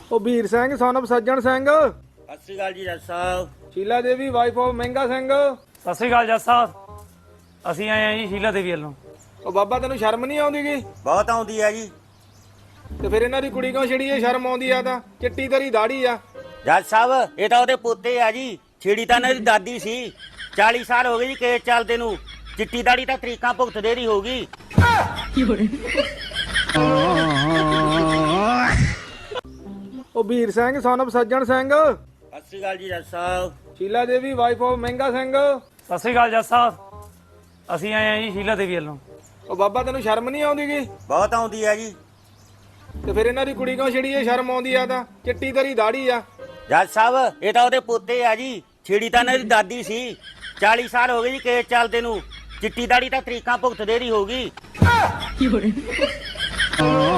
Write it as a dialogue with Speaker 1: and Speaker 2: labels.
Speaker 1: ਉਹ ਵੀਰ Singh son of ਸੱਜਣ ਸਿੰਘ।
Speaker 2: ਸਤਿ ਸ਼੍ਰੀ ਅਕਾਲ ਜੀ ਜੱਜ ਸਾਹਿਬ।
Speaker 1: Sheela Devi wife of Mehnga Singh.
Speaker 3: ਸਤਿ ਸ੍ਰੀ ਅਕਾਲ ਜੱਜ ਸਾਹਿਬ। ਅਸੀਂ ਆਏ ਆ ਜੀ ਸ਼ੀਲਾ ਦੇਵੀ ਵੱਲੋਂ।
Speaker 1: ਉਹ ਬਾਬਾ ਤੈਨੂੰ ਸ਼ਰਮ ਨਹੀਂ ਆਉਂਦੀ ਗੀ?
Speaker 2: ਬਹੁਤ ਆਉਂਦੀ ਹੈ ਜੀ।
Speaker 1: ਤੇ ਫਿਰ ਇਹਨਾਂ ਦੀ ਕੁੜੀ ਕਿਉਂ ਛੜੀ ਏ? ਸ਼ਰਮ ਆਉਂਦੀ ਆ ਤਾਂ ਚਿੱਟੀ ਤੇਰੀ ਦਾੜੀ ਆ।
Speaker 2: ਜੱਜ ਸਾਹਿਬ ਇਹ ਤਾਂ ਉਹਦੇ ਪੋਤੇ ਆ ਜੀ। ਛੇੜੀ ਤਾਂ ਇਹਨਾਂ ਦੀ ਦਾਦੀ ਸੀ। 40 ਸਾਲ ਹੋ ਗਏ ਜੀ ਕੇਸ ਚੱਲਦੇ ਨੂੰ। ਚਿੱਟੀ ਦਾੜੀ ਤਾਂ ਤਰੀਕਾਂ ਭੁਗਤਦੇ ਦੀ ਹੋਊਗੀ।
Speaker 1: ਉਹ ਵੀਰ ਸਿੰਘ son of ਸੱਜਣ ਸਿੰਘ।
Speaker 2: ਸਤਿ ਸ਼੍ਰੀ ਅਕਾਲ ਜੀ ਜੱਜ ਸਾਹਿਬ।
Speaker 1: Sheela Devi wife of Mehnga Singh.
Speaker 3: ਸਤਿ ਸ੍ਰੀ ਅਕਾਲ ਜੱਜ ਸਾਹਿਬ। ਅਸੀਂ ਆਏ ਆ ਜੀ ਸ਼ੀਲਾ ਦੇਵੀ ਵੱਲੋਂ।
Speaker 1: ਉਹ ਬਾਬਾ ਤੈਨੂੰ ਸ਼ਰਮ ਨਹੀਂ ਆਉਂਦੀ ਗੀ?
Speaker 2: ਬਹੁਤ ਆਉਂਦੀ ਹੈ ਜੀ।
Speaker 1: ਤੇ ਫਿਰ ਇਹਨਾਂ ਦੀ ਕੁੜੀ ਕਿਉਂ ਛੜੀ ਏ? ਸ਼ਰਮ ਆਉਂਦੀ ਆ ਤਾਂ ਚਿੱਟੀ ਤੇਰੀ ਦਾੜੀ ਆ।
Speaker 2: ਜੱਜ ਸਾਹਿਬ ਇਹ ਤਾਂ ਉਹਦੇ ਪੋਤੇ ਆ ਜੀ। ਛੇੜੀ ਤਾਂ ਇਹਨਾਂ ਦੀ ਦਾਦੀ ਸੀ। 40 ਸਾਲ ਹੋ ਗਏ ਜੀ ਕੇਸ ਚੱਲਦੇ ਨੂੰ। ਚਿੱਟੀ ਦਾੜੀ ਤਾਂ ਤਰੀਕਾਂ ਭੁਗਤਦੇ ਦੀ ਹੋਊਗੀ।